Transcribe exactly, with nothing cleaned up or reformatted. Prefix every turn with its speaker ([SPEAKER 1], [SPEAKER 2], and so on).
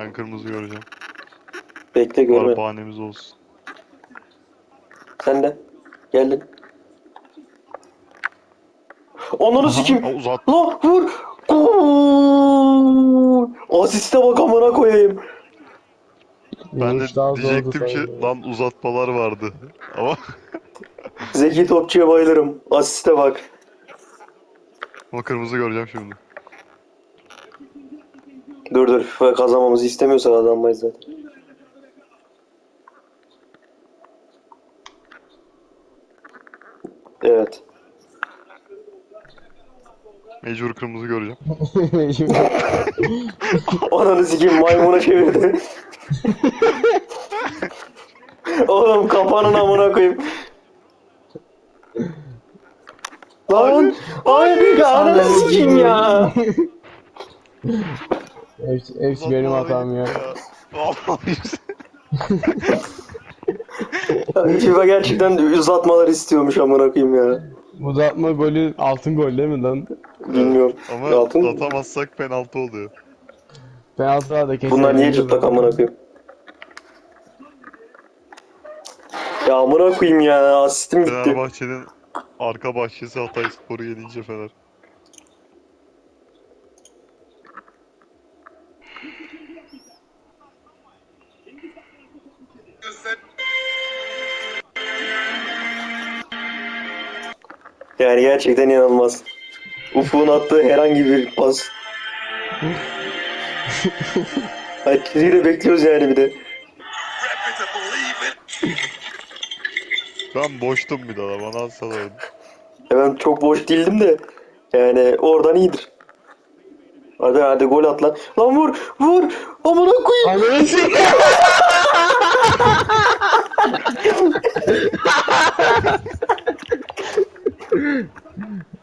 [SPEAKER 1] Ben kırmızı göreceğim.
[SPEAKER 2] Bekle
[SPEAKER 1] Var
[SPEAKER 2] görme.
[SPEAKER 1] bahanemiz olsun.
[SPEAKER 2] Sen de. Geldin. Ananı
[SPEAKER 3] Aha.
[SPEAKER 2] sikeyim.
[SPEAKER 1] Ha, uzat.
[SPEAKER 2] Lan vur. Gol. Asiste bak amına koyayım.
[SPEAKER 1] Ben de
[SPEAKER 3] Vuruş daha zordu
[SPEAKER 1] diyecektim ki
[SPEAKER 3] sanırım.
[SPEAKER 1] lan uzatmalar vardı. Ama
[SPEAKER 2] Zeki topçuya bayılırım. Asiste bak.
[SPEAKER 1] ama kırmızı göreceğim şimdi.
[SPEAKER 2] Dur dur. FIFA kazanmamızı istemiyorsa kazanmayız zaten. Evet.
[SPEAKER 1] Mecbur kırmızı göreceğim.
[SPEAKER 2] Ananı sikeyim maymuna çevirdi. Oğlum kafanın amına koyayım. Lan.
[SPEAKER 1] Hayır.
[SPEAKER 2] Hayır ya ananı
[SPEAKER 3] Ananı
[SPEAKER 2] sikeyim ya.
[SPEAKER 3] hepsi, hepsi benim
[SPEAKER 1] Uzatmalara
[SPEAKER 3] hatam
[SPEAKER 1] gitti
[SPEAKER 3] ya.
[SPEAKER 1] ya. Vallahi.
[SPEAKER 2] FIFA gerçekten uzatmalar istiyormuş amına koyayım ya.
[SPEAKER 3] Uzatma golü altın gol değil mi lan?
[SPEAKER 1] Evet.
[SPEAKER 2] Bilmiyorum.
[SPEAKER 1] Ama
[SPEAKER 2] Altın.
[SPEAKER 1] atamazsak penaltı oluyor.
[SPEAKER 3] Penaltılar da kesin
[SPEAKER 2] Bunlar niye
[SPEAKER 3] eğleniyor
[SPEAKER 2] cırtlak
[SPEAKER 3] lan.
[SPEAKER 2] amına koyayım? Ya amına koyayım ya. Asistim gitti.
[SPEAKER 1] Fenerbahçe'nin arka bahçesi Hatayspor'u yenince Fener.
[SPEAKER 2] Yani gerçekten inanılmaz. Ufuk'un attığı herhangi bir pas. Herkesi de bekliyoruz yani bir de.
[SPEAKER 1] Ben boştum bir daha bana atsalardı.
[SPEAKER 2] Ya ben çok boş değildim de. Yani oradan iyidir. Hadi hadi gol at lan. Lan vur vur. Amına koyayım.
[SPEAKER 3] Ananı sikeyim.